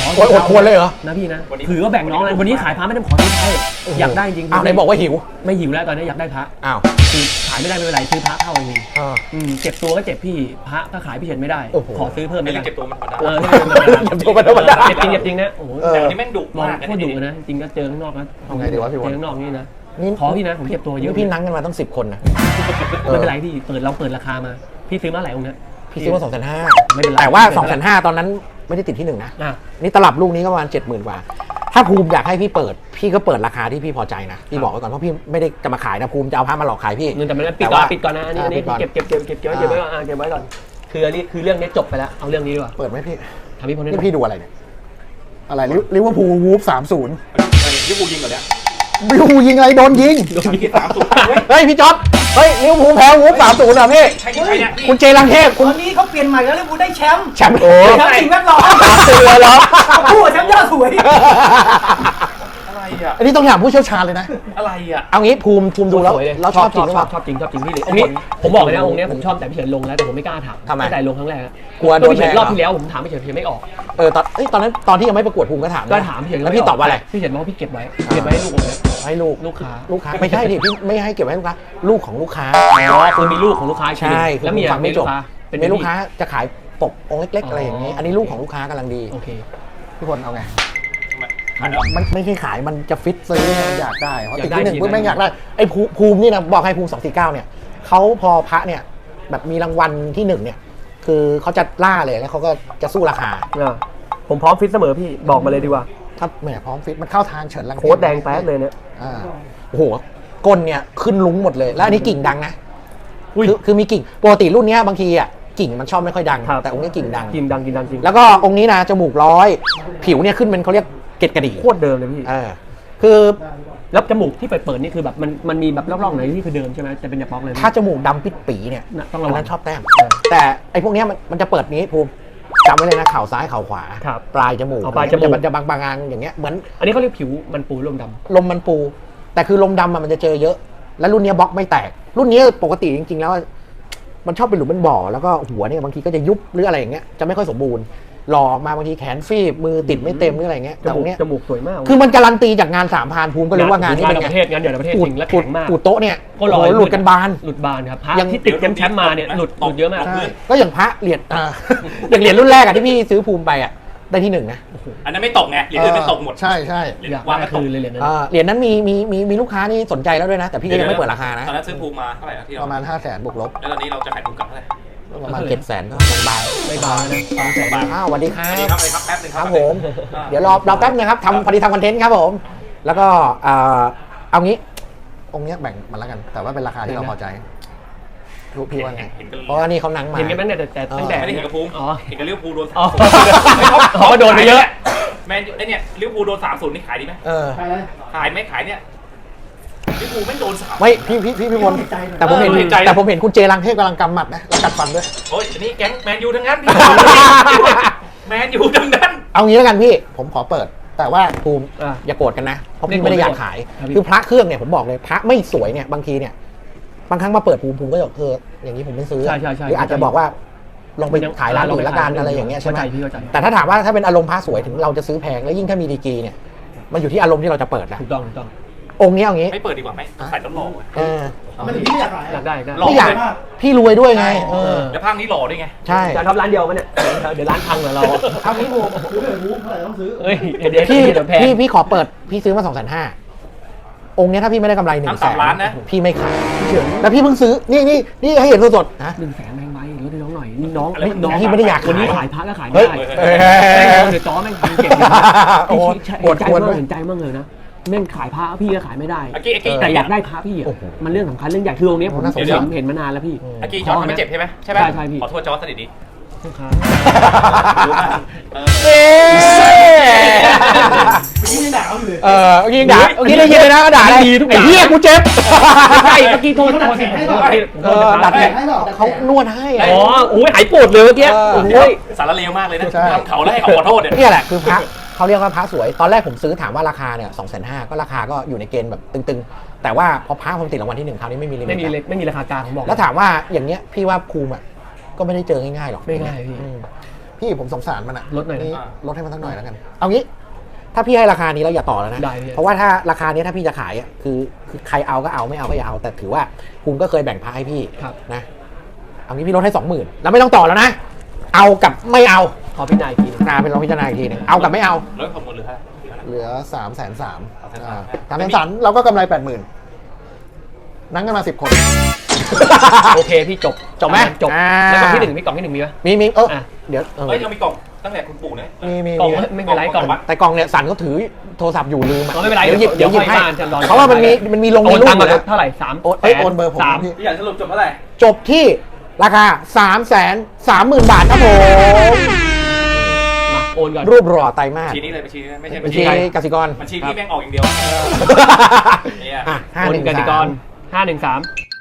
Speaker 2: โอ้ยอดควรเลยเหรอ
Speaker 1: นะพี่นะถือว่าแบ่งน้องเลยวันนี้ขายพระไม่ได้ขอซื้อพระอยากได้จริง
Speaker 2: อ้าวไหนบอกว่าหิว
Speaker 1: ไม่หิวแล้วตอนนี้อยากได้พระ
Speaker 2: อ้าว
Speaker 1: คือขายไม่ได้ไม่เป็นไรซื้อพระเข้าเอง
Speaker 2: อ่า
Speaker 1: อืมเจ็บตัวก็เจ็บพี่พระถ้าขายพี่เฉินไม่ได้
Speaker 2: โอ้โห
Speaker 1: ขอซื้อเพิ่ม
Speaker 5: ไม่
Speaker 1: ไม่
Speaker 5: ได้
Speaker 1: ได้
Speaker 5: เก็บตัวมันธรรมดา
Speaker 1: เออ
Speaker 2: เจ็บตัวมันธรรมดา
Speaker 1: เจ็บจริงเจ็บจริงนะโอ้โห
Speaker 2: เออ
Speaker 5: แต่วันนี้แม่งดุ
Speaker 1: มอง
Speaker 5: มาก
Speaker 1: โคตรดุนะจริงก็เจอข้างนอกนะ
Speaker 2: ทำไงดีวะพี่ว
Speaker 1: เจ
Speaker 2: น
Speaker 1: อข้างนอกนี่นะ
Speaker 2: นี่
Speaker 1: ขอพี่นะผมเจ็บตัวเยอะ
Speaker 2: นี่พี่นั่งกันมาตั้งสิบคนนะ
Speaker 1: ไม่เป็นไรพี่เปิดเราเปิดราคามาพี่ซื้อมาหลายองค์นะ
Speaker 2: พี่ซื้อมาสองแสนห้า
Speaker 1: ไม่เป็นไร
Speaker 2: แต่ว่าสองแสนห้าตอนนั้นไม่ได้ติดที่หนึ่งนะ
Speaker 1: อ่ะ
Speaker 2: นี่ตลับลูกนี้ก็ประมาณเจ็ดหมื่นกว่า ถ้าภูมิอยากให้พี่เปิด พี่ก็เปิดราคาที่พี่พอใจนะ พี่บอกไว้ก่อนเพราะพี่ไม่ได้จะมาขายนะภูมิจะเอาผ้ามาหลอกขายพี่
Speaker 1: เงินแต่มันปิด
Speaker 2: แต่
Speaker 1: ก่อน
Speaker 2: ว่า
Speaker 1: ปิดก่อนนะอันนี้อันนี้
Speaker 2: ปิดก่อน
Speaker 1: เก็บเก็บเก็บเก็บเก็บไว้เก็บไว้ก่อนอ่ะเก็บไว้ก่อนคืออันนี้คือเรื่องนี้จบไปแล้วเอาเรื่องนี้ดีกว่า
Speaker 2: เปิดไหมพี่
Speaker 1: ทำพี่พลนี่
Speaker 2: นี่พี่ดูอะไรเนี่ย อะไรลิเวอร์พูลวูฟสามศูนย์
Speaker 5: ลิเวอร์พูลยิงก่อนเนี่ย
Speaker 2: ลิเวอร์พูลยิงอะไรโดนยิง
Speaker 1: โดนยิง
Speaker 5: สามศูนย์เว้ย
Speaker 2: เฮ้ยพี่จ๊อบเฮ้ยลิเวอร์พูลแพ้วูฟสามศูนย์เหรอพี่
Speaker 5: ใช่ใครเนี่ย
Speaker 2: คุณเจรังเทพ
Speaker 6: ต
Speaker 2: คุณ
Speaker 6: อนนี้เขาเปลี่ยนใหม่แล้วเลยกูได้แชมป์
Speaker 2: แชมป์โอ้
Speaker 6: แชมป์สิ่งแวดล้อม
Speaker 2: สามศูนย์เลยเหรอ
Speaker 6: ผู้แชมป์ยอดสวย
Speaker 5: อะไรอ่ะ
Speaker 2: อันนี้ต้องถามผู้เชี่ยวชาญเลยนะ
Speaker 5: อะไรอ่ะ
Speaker 2: เอางี้ภูมิภูมิดูแล้ว
Speaker 1: สยเย
Speaker 2: เราชอบจริงหรือ
Speaker 1: ช
Speaker 2: เป
Speaker 1: อ
Speaker 2: ล่า
Speaker 1: บชอบจริงชอบจริงพี่เลยองค์นี้ผมบอกเลยนะองค์นี้ผมชอบแต่พี่เฉินลงแล้วแต่ผมไม่กล้าถาม
Speaker 2: ทำไม
Speaker 1: ตั้งแต่ลงครั้งแรกอะ
Speaker 2: กลัวโดน
Speaker 1: พี่เฉิน
Speaker 2: แบน
Speaker 1: รอบ
Speaker 2: เหรอ
Speaker 1: ที่แล้วผมถามพี่เฉินพี่เฉินไม่ออก
Speaker 2: เออตอนเอ้ยตอนนั้นตอนที่ยังไม่ประกวดภูมิก็ถามนะ
Speaker 1: ก็ถามพี่เฉิน
Speaker 2: แล้วพี่ตอบว่าอะไร
Speaker 1: พี่เฉินบอกว่าพี่เก็บไว้เก็บไว้ให้ลูกผมนะ
Speaker 2: ให้ลูก
Speaker 1: ลูกค้า
Speaker 2: ลูกค้าไม่ใช่ดิพี่ไม่ให้เก็บไว้ให้ลูกค้าลูกของลูกค้า
Speaker 1: อ๋อคือมีลูกของลูกค้าอีกทีหนึ่ง
Speaker 2: ใช่
Speaker 1: แล้วเมีย
Speaker 2: ฟังไม่จบ
Speaker 1: เป็น
Speaker 2: มีลูก
Speaker 1: พี่
Speaker 2: ค้าจะขายปกองค์เล็กๆอะไรอย่างนี้
Speaker 1: อ๋ออั
Speaker 2: อันนี้ลูกของลูกค้ากำลังดี
Speaker 1: โอเค
Speaker 2: พี่พลเอาไง
Speaker 5: ทำไม
Speaker 2: มันไม่ใช่ขายมันจะฟิตซื้อเนี่ยอยากได้เพราะ
Speaker 1: อยา
Speaker 2: ติด
Speaker 1: กได้
Speaker 2: ที่หนึ่ง
Speaker 1: จริง
Speaker 2: เพื่อ
Speaker 1: นะ
Speaker 2: ไม่งอยากได้ไอ้ภูภูมินี่นะบอกให้ภูมิสองสี่เก้าเนี่ยเขาพอพระเนี่ยแบบมีรางวัลที่หนึ่งเนี่ยคือเขาจะล่าเลยแล้วเขาก็จะสู้ราคา
Speaker 1: อ่ะผมพร้อมฟิตเสมอพี่บอกมาเลยดีกว่า
Speaker 2: ถ้าแหมพร้อมฟิตมันเข้าทางเฉินลังเทพ
Speaker 1: โค้ดแดงแป๊ดเลยเนี่ย
Speaker 2: อ่าโอ้โหก้นเนี่ยขึ้นลุ้งหมดเลย แล้วอันนี้กิ่งดังนะคือคือมีกิ่งปกติรุ่นเนี้ยบางทีอ่ะกิ่งมันชอบไม่ค่อยดัง
Speaker 1: ครับ
Speaker 2: แต่องค์นี้กิ่งดัง
Speaker 1: กินดังกินดังจริง
Speaker 2: แล้วก็องค์นี้นะจมูกร้อยผิวเนี่ยขึ้นเป็นเขาเรียกเกล็ดกระดิ่ง
Speaker 1: โคตรเดิมเลยพี่
Speaker 2: เออคือ
Speaker 1: แล้วจมูกที่เปิดเปิดนี่คือแบบมันมันมีแบบร่องๆไหนที่คือเดิมใช่ไหมจะเป็นแบบบล็อกเลย
Speaker 2: ถ้าจมูกดำปิดปีเนี่ย
Speaker 1: น่ะต้อง
Speaker 2: อั
Speaker 1: ระ
Speaker 2: น
Speaker 1: วั
Speaker 2: นั้
Speaker 1: ง
Speaker 2: นชอบแต้มแต่ไอ้พวกเนี้ยมันมันจะเปิดนี้ภูมิจำไว้เลยนะเข่าซ้ายเข่าขวา
Speaker 1: ครับ
Speaker 2: ปลายจมูก
Speaker 1: เอาปลายจมูก
Speaker 2: มันจะบางบางๆอย่างเงี้ยเหมือน
Speaker 1: อันนี้เขาเรียกผิวมันปูลมดำ
Speaker 2: ลมมันปู แต่คือลมดำอะมันจะเจอเยอะ แล้วรุ่นเนี้ยบล็อกไม่แตก รุ่นเนี้ยปกติจริงๆแล้ว มันชอบเป็นหลุมเป็นบ่อแล้วก็หัวเนี่ยบางทีก็จะยุบหรืออะไรอย่างเงี้ยจะไม่ค่อยสมบูรณ์หล่อออกมาบางทีแขนฟีบมือติดไม่เต็มหรืออะไรเงี้ย
Speaker 1: จ
Speaker 2: แต่ต
Speaker 1: มู
Speaker 2: ร
Speaker 1: ก
Speaker 2: งเนี้ย
Speaker 1: จมูกสวยมาก
Speaker 2: คือมันการันตีจากงานสามพานภูมิก็รู้ว่างานนี้เป็น
Speaker 1: งาน
Speaker 2: ไง
Speaker 1: ประเทศงานเดี่ยวในประเทศจริงและแข็งมาก
Speaker 2: ปูโต๊ะเนี่ย
Speaker 1: ก็หล่อ
Speaker 2: โอ้โหหลุดกันบาน
Speaker 1: หลุดบานครับพระ
Speaker 2: ยัง
Speaker 1: ที่ติดแชมป์มาเนี่ยหลุดหลุดเยอะมาก
Speaker 2: ใช่ก็อย่างพระเหรียญอ่า อย่างเหรียญรุ่นแรกอะที่พี่ซื้อภูมิไปอะได้ที่หนึ่งนะ
Speaker 5: อันนั้นไม่ตกไงเหรียญอื่นไม่ตกหมด
Speaker 2: ใช่ใช่
Speaker 5: เหรียญ
Speaker 1: อยาก
Speaker 5: วาง
Speaker 1: ได้
Speaker 5: ไม่ต
Speaker 1: คื
Speaker 5: ก
Speaker 1: นเลยเหรียญนั้น
Speaker 2: อ่าเหรียญนั้นมีมีมีมีลูกค้านี่สนใจแล้วด้วยนะ แต่พี่ก็ยังไม่เปิดราคานะ
Speaker 5: ตอนนั้นซื้อภูมิมาเท่าไหร่นะที่เรา
Speaker 2: ประมาณห้าแสนบวกลบ
Speaker 5: แล้วตอนนี้เราจะขายภูมิกลับเท่าไหร่
Speaker 2: ประมาณเจ็ดแสนก็บาย
Speaker 1: ไม่บานนะสองแสน
Speaker 2: อ้าวสวัสดีครั
Speaker 5: อันนี้
Speaker 2: บ
Speaker 5: ครับอะไรครับแป๊บนึง
Speaker 2: ค
Speaker 5: ค
Speaker 2: รั
Speaker 5: รั
Speaker 2: บบ ผม เดี๋ยวรอรอแป๊บนะครับทำพอดีทำคอนเทนต์ครับผม แล้วก็เอ่อเอางี้ องค์เนี้ยแบ่งมาแล้วกัน แต่ว่าเป็นราคาที่เราพอใจรู้พี่ว่าไง
Speaker 5: เห็นกัน
Speaker 2: เพราะว่านี่เขานั่งมา
Speaker 1: เห็นกันไหมเนี่ยแต่แต่ตั้งแต่
Speaker 5: ไม่ได้เห็นกับภูมิ
Speaker 1: อ๋อ
Speaker 5: เห็นกับลิเวอร์พูลโดน
Speaker 1: อ๋อ
Speaker 5: สามศูนย์
Speaker 1: อ๋อโดนไปเยอะ
Speaker 5: แมนยูไอ้เนี่ยลิเวอร์พูลโดนสามศูนย์นี่ขายดีไหม
Speaker 2: เออ
Speaker 5: ขายไหมขายเนี่ยลิเวอร์พูลไม่โดนสาม
Speaker 2: ไม่พี่พี่พี่พี่พลแต่ผมเห็น
Speaker 5: เออเห็นใจนะ
Speaker 2: แต่ผมเห็นคุณเจรังเทพกำลังกำหมัดนะแล้วกัดฟันด้วย
Speaker 5: โอ้ยอันนี้แก๊งแมนยูทั้งนั้นพี่ แมนยูทั้งนั้น
Speaker 2: เอางี้แล้วกันพี่ ผมขอเปิด แต่ว่าภูมิ
Speaker 1: อ่ะ
Speaker 2: อย่าโกรธกันนะ เพราะ
Speaker 1: ไม่
Speaker 2: พี่
Speaker 1: โกรธ
Speaker 2: ไม่ได้อยากขาย
Speaker 1: ครับพี่
Speaker 2: คือพระเครื่องเนี่ยผมบอกเลยพระไม่สวยเนี่ยบางทีเนี่ยบางครั้งมาเปิดภูมิภูมิก็จะบอกเอออย่างนี้ผมไม่ซื้อ
Speaker 1: ใช่ใช่ใช่
Speaker 2: หรืออาจจะบอกว่าลองไปขายร้านอื่นละกันอะไรอย่างเงี้ยใช่ไหม
Speaker 1: เข้าใจพี่เข้าใจ
Speaker 2: แต่ถ้าถามว่าถ้าเป็นอารมณ์พระสวยถึงเราจะซื้อแพงแล้วยิ่งถ้ามีดีกรีเนี่ยมันอยู่ที่อารมณ์ที่เราจะเปิดนะ
Speaker 1: ถูกต้องถูกต้อง
Speaker 2: องค์เนี้ยเอางี้
Speaker 5: ไม่เปิดดีกว่าไหมใส่ต้นหล่อไว้
Speaker 2: เออ
Speaker 6: มันถึงที่อยากขาย
Speaker 1: อยากได้อยากได้
Speaker 5: หล่อ
Speaker 2: ไม่อยากพี่รวยด้วยไงเออ
Speaker 5: แล้วภาคนี้หล่อด้วยไง
Speaker 2: ใช่
Speaker 1: จะทำร้านเดียวมันเนี่ยเดี๋ยวร้านพังเหรอเรา
Speaker 6: เอางี้ผมซื้อเลยวูฟเท่าไหร่ต้องซื้อ
Speaker 1: เฮ้ยเดี๋ยว
Speaker 2: พี่
Speaker 1: เดี๋ยวแพง
Speaker 2: พี่พี่ขอเปิดพี่ซื้อมาสองแสนห้าองค์เนี้ยถ้าพี่ไม่ได้กำไรหนึ่ง
Speaker 5: ทั้ง
Speaker 2: แส
Speaker 5: สาม
Speaker 2: น
Speaker 5: ล้านนะ
Speaker 2: พี่ไม่ขายแล้วพี่เพิ่งซื้อนี่นี่นี่ให้เห็นสดๆนะ
Speaker 1: หนึ่งแสนแพงไหมลดให้น้องหน่อยนี่น้อง
Speaker 5: อะไร
Speaker 1: น้อง
Speaker 2: พี่ไม่ได้อยากขาย
Speaker 1: วันนี้ขายพระก็ขาย
Speaker 2: เฮ้
Speaker 1: ไม่
Speaker 2: ย
Speaker 1: ได้
Speaker 2: เฮ้ย
Speaker 1: แม่งเดี๋ยวจ้อแม่งพังเก็บเลย
Speaker 2: โอ้โห
Speaker 1: พี่
Speaker 2: ปวด
Speaker 1: ใจ
Speaker 2: ควร
Speaker 1: มาก
Speaker 2: ด้วย
Speaker 1: เห็นใจมากเลยนะแม่งขายพระพี่ก็ขายไม่ได้
Speaker 5: อากี้อากี้
Speaker 1: แต่อยากได้พระพี่อ่ะ
Speaker 2: โอ้โห
Speaker 1: มันเรื่องสำคัญเรื่องใหญ่คือองค์เนี้ยผม
Speaker 2: น่าสง
Speaker 1: เห็
Speaker 2: สาร
Speaker 1: นเห็นมานานแล้วพี่
Speaker 5: อากี้จอร์จทำไม่เจ็บใช่ไหมใช่ไหม
Speaker 1: ใช่ใช่พี่
Speaker 5: ขอโทษจอร์จสนิทดี
Speaker 1: ลูกค้า
Speaker 5: รู้มากเออ
Speaker 2: เอ๊ะ
Speaker 6: พี่ยังด่าเขาอยู่เลย
Speaker 2: เออเมื่อกี้ด่าเมื่อกี้ได้ยินเลยนะก็ด่าได้
Speaker 1: ดีทุกอย่าง
Speaker 2: ไอ้เหี้ยกูเจ็บ
Speaker 1: ใช่เมื่อกี้โทษโทษ
Speaker 6: ให้
Speaker 1: โท
Speaker 6: ก่อ
Speaker 1: ษ
Speaker 6: น
Speaker 2: เออดัดแผลเขานวดให้อะ
Speaker 1: อ๋อโอ้ยหายปวดเลยเมื่อกี้
Speaker 2: เออ
Speaker 1: โอ้
Speaker 5: เดี๋ยวย
Speaker 1: ย
Speaker 5: สารเลวมากเลยนะ
Speaker 2: ใช่
Speaker 5: ทำเขาแล้วให้เขาขอโทษเนี่ย
Speaker 2: นี่แหละคือพระเขาเรียกว่าพระสวย ตอนแรกผมซื้อถามว่าราคาเนี่ยสองแสนห้าก็ราคาก็อยู่ในเกณฑ์แบบตึงๆ แต่ว่าพอพระผมติดรางวัลที่หนึ่งคราวนี้ไม่มีลิมิต
Speaker 1: ไม่มีเลยไม่มีราคากลางผมบอก
Speaker 2: แล้วถามว่าอย่างเงี้ยพี่ว่าภูมิอ่ะก็ไม่ได้เจอง่ายๆหรอก
Speaker 1: ไม่ง่ายพี่
Speaker 2: อืมพี่พี่ผมสงสารมันอะ
Speaker 1: ลดหน่อยนะ
Speaker 2: นี่ลดให้มันสักหน่อยแล้วกัน เอางี้ ถ้าพี่ให้ราคานี้แล้วอย่าต่อแล้วนะ
Speaker 1: ได้พี่
Speaker 2: เพราะว่าถ้าราคานี้ถ้าพี่จะขายอะคือคือใครเอาก็เอาไม่เอาก็อย่าเอา แต่ถือว่าภูมิก็เคยแบ่งพระให้พี่
Speaker 1: ครับ
Speaker 2: นะ เอางี้พี่ลดให้สองหมื่นแล้วไม่ต้องต่อแล้วนะ เอากับไม่เอา
Speaker 1: ขอพี่นายกิน
Speaker 2: นาเป็นลองพิจารณาอีกทีหนึงเอากับไม่เอา
Speaker 3: รถของหมดหรือฮะ
Speaker 2: เหลือสามแสนสาม
Speaker 3: สามแสนสาม
Speaker 2: สามแสนสามเราก็กำไรแปดหมื่นนั่งกันมาสิบคน
Speaker 1: โอเคพี่จบ
Speaker 2: จบไหม
Speaker 1: จบ
Speaker 2: อ่า
Speaker 1: แล้วกล่องที่หนึ่งมีกล่องที่หนึ่งมีไหม
Speaker 2: มีมีเออ
Speaker 1: อ่ะ
Speaker 2: เดี๋ยวเออ
Speaker 3: เฮ้ยเรามีกล่องตั้งแต่คุณปู่นะ
Speaker 2: มีมี
Speaker 1: กล่อง
Speaker 2: มี
Speaker 1: ไม่เป็นไรกล่อง
Speaker 2: แต่กล่องเนี่ยสันเขาถือโทรศัพท์อยู่ลืมอ่ะ
Speaker 1: อ๋อไม่เป็นไร
Speaker 2: เดี๋ยวหยิบ
Speaker 1: เดี๋
Speaker 2: เดี๋ย
Speaker 1: ยว ว
Speaker 2: หยิบให้
Speaker 1: ค่อยบ้านจะรอ
Speaker 2: เพราะว่ามันมีมันมีลง
Speaker 1: โอ
Speaker 2: มี
Speaker 1: น
Speaker 2: รูป
Speaker 1: ตังค์
Speaker 2: อ
Speaker 1: มา
Speaker 2: ยู่แล้ว
Speaker 1: เท่าไหร่สาม
Speaker 2: โอนเอ้ยโอนเบอร์ผม
Speaker 1: สาม
Speaker 2: พี่
Speaker 3: พี่อยากสรุปจบเท่าไหร่
Speaker 2: จบที่ราคาสามแสนสามหมื่นบาทครับผม
Speaker 1: มาโอนก่อน
Speaker 2: รูปหล่อไตรมาส
Speaker 3: บัญชีนี้เลยบัญชีนี้ไม่ใช่
Speaker 2: บั
Speaker 3: บั
Speaker 2: ญ
Speaker 3: ญ
Speaker 2: ชี
Speaker 3: ชี
Speaker 2: กสิกร
Speaker 3: บัญชีพี่แม่งออกอย่างเดียว เนี่ย
Speaker 2: อ่ะห้า
Speaker 1: โอ
Speaker 2: ห
Speaker 1: น
Speaker 2: นึ่ง
Speaker 1: กติก
Speaker 2: สาร ม
Speaker 1: ห้าหนึ่งสาม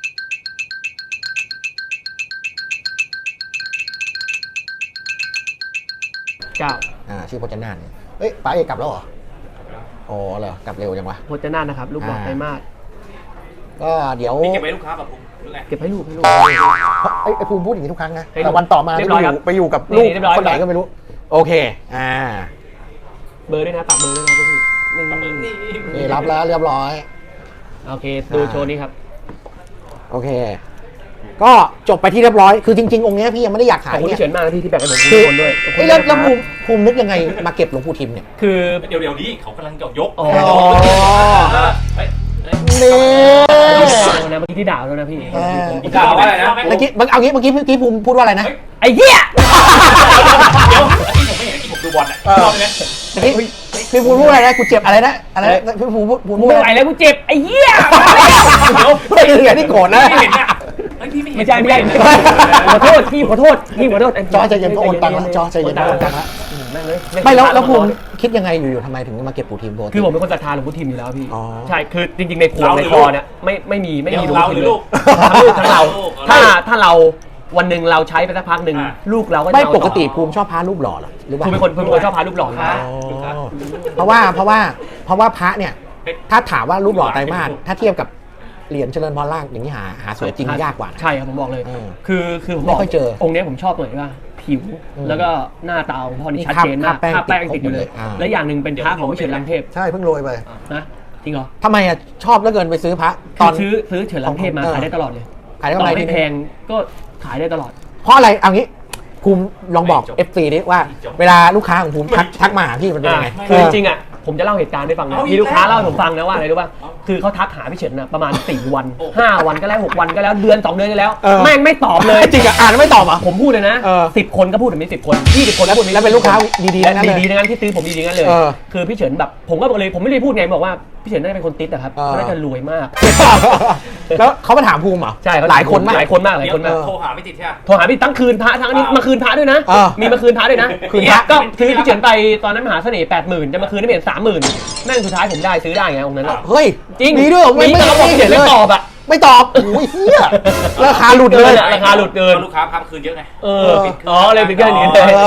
Speaker 1: เก้า
Speaker 2: อ่าชื่อพจนาถเนี่ยเอ้ยป้าเอกกลับแล้วเหรออ๋อเหรอกลับเร็วจังวะ
Speaker 1: พจนาถนะครับ ลูกหลอก
Speaker 2: อ่า
Speaker 1: ไตรมาส
Speaker 2: ก็เดี๋ยว
Speaker 3: นี่เก็บไว้ลูกค้าแบบผมหรือไง
Speaker 1: เก็บให้ลูกให้ลูก
Speaker 2: ไอ้ไอ้ภูมิพูดอย่างนี้ทุกครั้งนะ
Speaker 1: ให้ดู
Speaker 2: แต่วันต่อมา
Speaker 1: เรี
Speaker 2: ไป
Speaker 1: ยบร้อย
Speaker 2: อ
Speaker 1: ครับ
Speaker 2: ยู่ไปอยู่กับ
Speaker 1: นี่
Speaker 2: ลูก
Speaker 1: เรียบร้อย
Speaker 2: คนไหน
Speaker 1: ครับ
Speaker 2: ก็ไม่รู้ โอเค อ่า
Speaker 1: เบอร์ด้วยนะฝากเบอร์ด้วยนะพี่นี่
Speaker 2: นี่รับแล้วเรียบร้อย
Speaker 1: โอเคดูโชว์นี้ครับ
Speaker 2: โอเค ก็จบไปที่เรียบร้อย คือจริงๆ องค์เนี้ยพี่ยังไม่ได้อยาก
Speaker 1: ข
Speaker 2: ขา
Speaker 1: อย บคุณ
Speaker 2: เนี่
Speaker 1: ที่
Speaker 2: ย
Speaker 1: เฉินมากนะพี่ที่แบ่งให้ผมทุ
Speaker 2: คื
Speaker 1: ก
Speaker 2: อ
Speaker 1: คนด้วยขอบคุ
Speaker 2: เอ้
Speaker 1: ณ
Speaker 2: ยแล้ว
Speaker 1: นะค
Speaker 2: แล้ว
Speaker 1: รับ
Speaker 2: ภูมิภูมินึกยังไงมาเก็บหลวงปู่ทิมเนี่ย
Speaker 1: คือ
Speaker 3: เดี๋ยวเดี๋ยวนี้เขากำลังจะยก
Speaker 1: อ๋อ
Speaker 3: เฮ้ยเฮ้ย
Speaker 2: นี่
Speaker 1: นะเมื่อกี้ที่ด่าแล้วนะพี่
Speaker 3: อีกด่าว่าอะไรนะ
Speaker 2: เมื่อกี้เอางี้เมื่อกี้พี่ภูมิพูดว่าอะไรนะ
Speaker 1: ไอ้เหี้ย
Speaker 3: เดี๋ยวที่ผมไม่เห็นที่ผมดูบอลอ่ะรอบนี้
Speaker 2: เมื่อกี้พี่ภูมิพูดว่าอะไรนะ กูเจ็บอะไรนะ อะไรนะพี่ภูมิพูดภูมิพูด
Speaker 1: ไม่
Speaker 2: อะ
Speaker 1: ไหว
Speaker 2: ไร
Speaker 1: แล้วกูเจ็บไอ้เหี้ย
Speaker 2: เดี๋ยวไม่เหลือที่โกรธนะ
Speaker 3: ไม่เห็นเนี่ยเฮ้ยพี่ไม่เห็น
Speaker 1: ไม่ใช่ไม่ใช่ขอโทษพี่ขอโทษพี่ขอโทษ
Speaker 2: จอใจเย็นก็โอนตังค์ละจอใจเย็นก็โอนตังค์ละ
Speaker 1: นั่งเลย
Speaker 2: ไม่แล้วแล้วภูมิคิดยังไงอยู่ๆทำไมถึงมาเก็บปู่ทิมโบ
Speaker 1: คือผมเป็นคนศรัทธาหลวงพ่อทิมอยู่แล้วพี่
Speaker 2: อ๋อ
Speaker 1: ใช่คือจริงๆในครัวในคอเนี่ยไม่ไม่มีไม่มีหลวงพ่อทิมเลย
Speaker 3: ลูก
Speaker 1: ทั้งลูกทั้งเรา
Speaker 3: ลูก
Speaker 1: ถ้าถ้าเราวันหนึ่งเราใช้ไปสักพักหนึ่ง
Speaker 3: อ่ะ
Speaker 1: ลูกเราก็จะ
Speaker 2: ไม่
Speaker 1: เอา
Speaker 2: ป
Speaker 1: ต่อก
Speaker 2: ติภูมิชอบพระรูปหล่อเหรอหรือว่า
Speaker 1: คือเป็นคนเป็นคนชอบพารูปหล่ออยู่แล้ว
Speaker 2: อ๋อเพราะว่าเพราะว่าเพราะว่าพระเนี่ย ถ้าถามว่ารูปหล่อไตรมาสถ้าเทียบกับเหรียญเจริญพรล่างอย่างนี้หาหาสวยจริงยากกว่านะ
Speaker 1: ใช่ครับผมบอกเลย
Speaker 2: เออ
Speaker 1: คือคือผม
Speaker 2: ไม่
Speaker 1: บอก
Speaker 2: ค่อยเจอ
Speaker 1: องค์เนี้ยผมชอบหน่อยว่าผิว
Speaker 2: อืม
Speaker 1: แล้วก็หน้าตาของพ่อนี่
Speaker 2: นี่
Speaker 1: ชัด
Speaker 2: คราบ
Speaker 1: เจนมาก
Speaker 2: คราบแป้ง
Speaker 1: คราบแป้ง
Speaker 2: ติ
Speaker 1: ติ
Speaker 2: ด
Speaker 1: ดอยู่เลย
Speaker 2: ครบหมดเลยอ่า
Speaker 1: และอย่างหนึ่งเป็นพระของวิเชียรลังเทพ
Speaker 2: ใช่เพิ่งโรยไป
Speaker 1: นะจริงเหรอ
Speaker 2: ทำไมอ่ะชอบเหลือเกินไปซื้อพระต
Speaker 1: ต
Speaker 2: อ
Speaker 1: อน นซื้อซื้อเฉินลังเทพมา
Speaker 2: เออ
Speaker 1: ขายได้ตลอดเลย
Speaker 2: ขายได้
Speaker 1: ต่
Speaker 2: กำไร
Speaker 1: อให้
Speaker 2: ที่
Speaker 1: แพงก็ขายได้ตลอด
Speaker 2: เพราะอะไรเอางี้ภูมิลองบอก
Speaker 3: ไม่จบ
Speaker 2: เอฟซีดิว่า เวลาลูกค้าของภูมิทักทักมาหาพี่มันเป็นยังไง
Speaker 1: คือจริงๆอ่ะผมจะเล่าเหตุการณ์ให้ฟังนะ
Speaker 3: เอาอีก
Speaker 1: มีลูกค้า
Speaker 3: แล้ว
Speaker 1: เล่าให้ผมฟังนะว่าอะไรรู้ป่ะคือเขาทักหาพี่เฉินนะประมาณสี่วัน
Speaker 3: โอ้
Speaker 1: ห้าวันก็แล้วหกวันก็แล้วเดือนสองเดือนก็แล้ว
Speaker 2: เออ
Speaker 1: แม่งไม่ตอบเลย
Speaker 2: จริงอ่ะอ่านแล้วไม่ตอบอ่ะ
Speaker 1: ผมพูดเลยนะ
Speaker 2: เออ
Speaker 1: สิบคนก็พูดแบบนี้สิบคนยี่สิบคนก็พูดแบบนี้
Speaker 2: แล้วเป็นลูกค้าดีๆทั้งนั้นเลย
Speaker 1: ดีๆทั้งนั้นที่ซื้อผมดีๆทั้งนั้นเลย
Speaker 2: เออ
Speaker 1: คือพี่เฉินแบบผมก็บอกเลยผมไม่ได้พูดไงบอกว่าพี่เฉินน่าจะเป็นคนติดอะครับ
Speaker 2: เออ
Speaker 1: เขาน่าจะรวยมาก
Speaker 2: แล้วเขามาถามภูมิเหรอ
Speaker 1: ใช่เข
Speaker 2: หลายคนมาก
Speaker 1: หลายคนมากหลายคนมาก
Speaker 3: โทรหาไม่ติดใช่ไหม
Speaker 1: โทรหาพี่ทั้งคืนพระทั้งอันนี้
Speaker 3: อ่า
Speaker 1: มาคืนพระด้วยนะ
Speaker 2: เออ
Speaker 1: มีมาคืนพระด้วยนะ
Speaker 2: คืนพระ
Speaker 1: ก็ซื้อพี่เฉินไปตอนนั้นมหาเสน่ห์แปดหมื่นจะมาคืนได้เป็นสามหมื่นแม่งสุดท้ายผมได้ซื้อได้ไงองค์นั้นอะ
Speaker 2: เฮ้ย
Speaker 1: จริง
Speaker 2: มีด้วยเหรอไม่
Speaker 1: มี
Speaker 2: ไม่
Speaker 1: แต่เราบอก
Speaker 2: ไม่
Speaker 1: พี่เฉินไม่ตอบอะ
Speaker 2: ไม่ตอบโอ้ยเฮียราคาหลุดเลย
Speaker 1: เกินอะราคาหลุดเกิน
Speaker 3: ลูกค้าพักคืนเยอะไง
Speaker 1: เอออ๋อเลยเป็นแค่นี้เลย
Speaker 2: เออ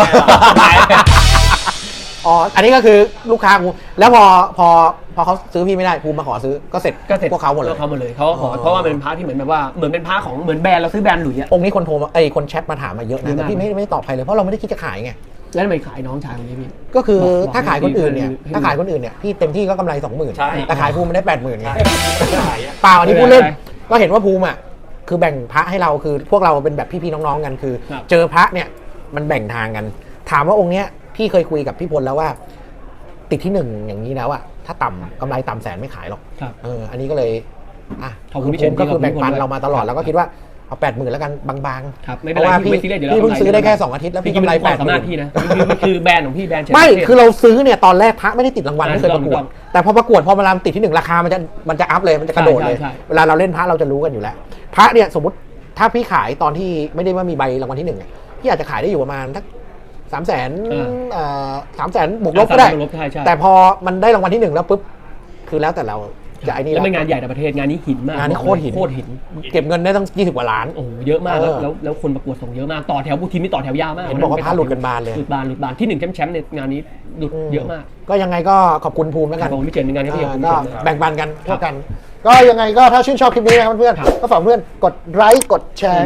Speaker 2: อ๋อ อันนี้ก็คือลูกค้าภูมิแล้วพอพอพอเขาซื้อพี่ไม่ได้ภูมิมาขอซื้อก็เสร็จ
Speaker 1: ก็เสร็จ
Speaker 2: พวกเขาหมดเลย
Speaker 1: เขาหมดเลยเขาก็ขอ
Speaker 2: อ๋อ
Speaker 1: เพราะว่ามันเป็นพระที่เหมือนแบบว่าเหมือนเป็นพระของเหมือนแบรนด์เราซื้อแบรนด์หลุยส์อะ
Speaker 2: องค์นี้คนโทรมาไอ้ยคนแชทมาถามมาเยอะ
Speaker 1: เย
Speaker 2: นะ
Speaker 1: อะมาก
Speaker 2: แต่พี่ไม่ไม่ได้ตอบใครเลยเพราะเราไม่ได้คิดจะขายไง
Speaker 1: แล้วทำไมขายน้องชายคนนี้พี่
Speaker 2: ก็คือ
Speaker 1: บอกบอก
Speaker 2: ถ้าขายคนอื่นเนี่ย
Speaker 1: ให้ดู
Speaker 2: ถ้าขายคนอื่นเนี่ยพี่เต็มที่ก็กำไรสองหมื่น
Speaker 3: ใช่
Speaker 2: แต่ขายภูมิมันได้แปดหมื่นไง
Speaker 3: ใช่ขายอะ
Speaker 2: เปล่าอันนี้พูดเล่นก็เห็นว่าภูมิอ่ะคือแบ่งพระให้เราคือพวกเราเป็นแบบพี่ๆน้องๆกันคือ
Speaker 1: ครับ
Speaker 2: เจอพระเนี่ยมันแบ่งทางกัน ถามว่าองค์เนี้ยพี่เคยคุยกับพี่พลแล้วว่า ติดที่หนึ่งอย่างนี้แล้วอะถ้าต่ำกำไรต่ำแสนไม่ขายหรอก
Speaker 1: ครับ
Speaker 2: เอออันนี้ก็เลยอ่ะ
Speaker 1: ขอบคุณพี่เฉิน
Speaker 2: ก็คือแบ่งปัน
Speaker 1: ขอบคุณพี่พล
Speaker 2: เรามาตลอดแล้วก็คิดว่าเอาแปดหมื่นแล้วกันบาง
Speaker 1: ครับ
Speaker 2: ๆ
Speaker 1: ไม่
Speaker 2: เพ
Speaker 1: เป็น
Speaker 2: ราะ
Speaker 1: ไร
Speaker 2: ว่า
Speaker 1: พี่
Speaker 2: พี่
Speaker 1: ไม่ซีเรียสอยู่แล้ว
Speaker 2: พี่เพิ่ง
Speaker 1: กำไร
Speaker 2: ซื้อได้แค่สองอาทิตย์แล้วพี่กำไร
Speaker 1: จงๆ
Speaker 2: แป
Speaker 1: เป็น
Speaker 2: ด
Speaker 1: ความ
Speaker 2: ห
Speaker 1: สามารถ
Speaker 2: มื่น
Speaker 1: พี่นะคือคือแบรนด์ของพี่แบรนด์เฉิน
Speaker 2: ไม่
Speaker 1: เทพ
Speaker 2: คือเราซื้อเนี่ยตอนแรกพระไม่ได้ติดรางวัล
Speaker 1: อ่า
Speaker 2: ไม่เคยประกว
Speaker 1: ถู
Speaker 2: ด
Speaker 1: กต้อง
Speaker 2: แต่พอประกวดพอเวลาติดที่หนึ่งราคามันจะมันจะอัพเลยมันจะกระโดดเลย
Speaker 1: ใช่ใช่ใช่
Speaker 2: เวลาเราเล่นพระเราจะรู้กันอยู่แล้ว พระเนี่ยสมมติถ้าพี่ขายตอนที่ไม่ได้ว่ามีใบรางวัลที่หนึ่งอะพี่อาจจะขายได้อยู่ประมาณทักสามแสนสามแสนบวกลบก็ได้
Speaker 1: สามแสนบวกลบใช่ใช่
Speaker 2: แต่พอมันได้รางวัลที่หนึ่งแล้วปุ๊บคือแล้วแต่เราจะไอ้นี่
Speaker 1: แล้ว
Speaker 2: แล้ว
Speaker 1: เป็นงานใหญ่ในประเทศงานนี้หินมาก
Speaker 2: งานนี้โคตรหิน
Speaker 1: โคตรหิน
Speaker 2: เก็บเงินได้ตั้งยี่สิบกว่าล้าน
Speaker 1: โอ้โหเยอะมากแล้ว
Speaker 2: เออ
Speaker 1: แล้วแล้วคนประกวดส่งเยอะมากต่อแถวบุทีมนี่ต่อแถวยาวมาก
Speaker 2: เห็นบอกว่าพระหลุดกันบานเลย
Speaker 1: หลุดบานหลุดบานที่หนึ่งแชมป์แชมป์ในงานนี้หลุดเยอะมาก
Speaker 2: ก็ยังไงก็ขอบคุณภูมิแล้ว
Speaker 1: ค
Speaker 2: กั
Speaker 1: รับ
Speaker 2: น
Speaker 1: ผมพี่เฉินในงานนี้พี่ขอบคุณ
Speaker 2: ก็
Speaker 1: พี่เฉิน
Speaker 2: แบ่งปันกันทั่วกัน ก็ยังไงก็ถ้าชื่นชอบคลิปนี้นะครับเพื่อนๆก็ฝากเพื่อนกดไลค์กดแชร์กด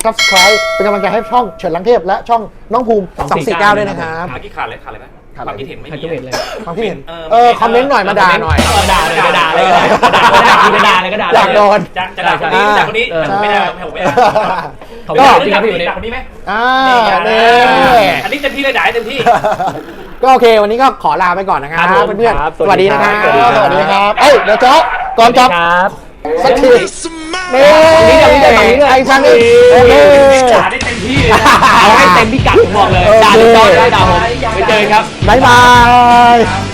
Speaker 2: subscribe เป็นกำลังใจให้ช่องเฉินลังเทพและช่องน้องภูมิสองสี่เก้าด้วยนะครับ
Speaker 5: ขากี่ขาดเลยขาดเลยไหมความคิดเห็นไม่
Speaker 1: ใคร
Speaker 5: มี
Speaker 1: จะเห็นเลย
Speaker 2: ความคิดเห็น
Speaker 5: เออ
Speaker 2: เออคอมเมนต์หน่อยมาด่าหน่อย
Speaker 1: เออด่าเลยก็ด่าเลยก็ด่าก็ด่าก็ด่าเลยก็ด่า
Speaker 2: อยากโดน
Speaker 5: จะจะด่าคนนี้ด่าคนนี้
Speaker 1: เออ
Speaker 5: ไม่ได้ผมไม่ได้
Speaker 1: เขา
Speaker 5: ก็
Speaker 1: ด่า
Speaker 5: จ
Speaker 1: จ
Speaker 5: ริ
Speaker 1: ริ
Speaker 5: ง
Speaker 1: ง
Speaker 5: ค
Speaker 1: ค
Speaker 5: รั
Speaker 1: รั
Speaker 5: บบ พี่
Speaker 1: พี่
Speaker 5: ด่า
Speaker 1: วัน
Speaker 5: คน
Speaker 1: นี้
Speaker 5: นี้ไหม
Speaker 2: อ่า
Speaker 5: นี่
Speaker 2: นี่
Speaker 5: อันนี้เต็มที่เลยด่าเต็มที่
Speaker 2: ก็โอเควันนี้ก็ขอลาไปก่อนนะครับ
Speaker 1: ครับผม
Speaker 2: เพื่อน
Speaker 1: ครับ
Speaker 2: ๆสวัสดีนะครับ
Speaker 1: สวัสดีครับ
Speaker 2: สวัสดีครับเอ้ยเดี๋ยวจ๊อบก่อนจ๊อบ
Speaker 1: ครับ
Speaker 2: สักทีนี่
Speaker 1: นี่จะมีได้ฝั่งนี้ด้วย
Speaker 2: ไอ้ช่างนี่โอเค
Speaker 5: ด่าได้เต็มที่เลยนะ
Speaker 1: เอาให้เต็มพิกัดผมบอกเลยด่าถึงจอได้ด่าผมไปเจอกันครับ
Speaker 2: บ๊ายบาย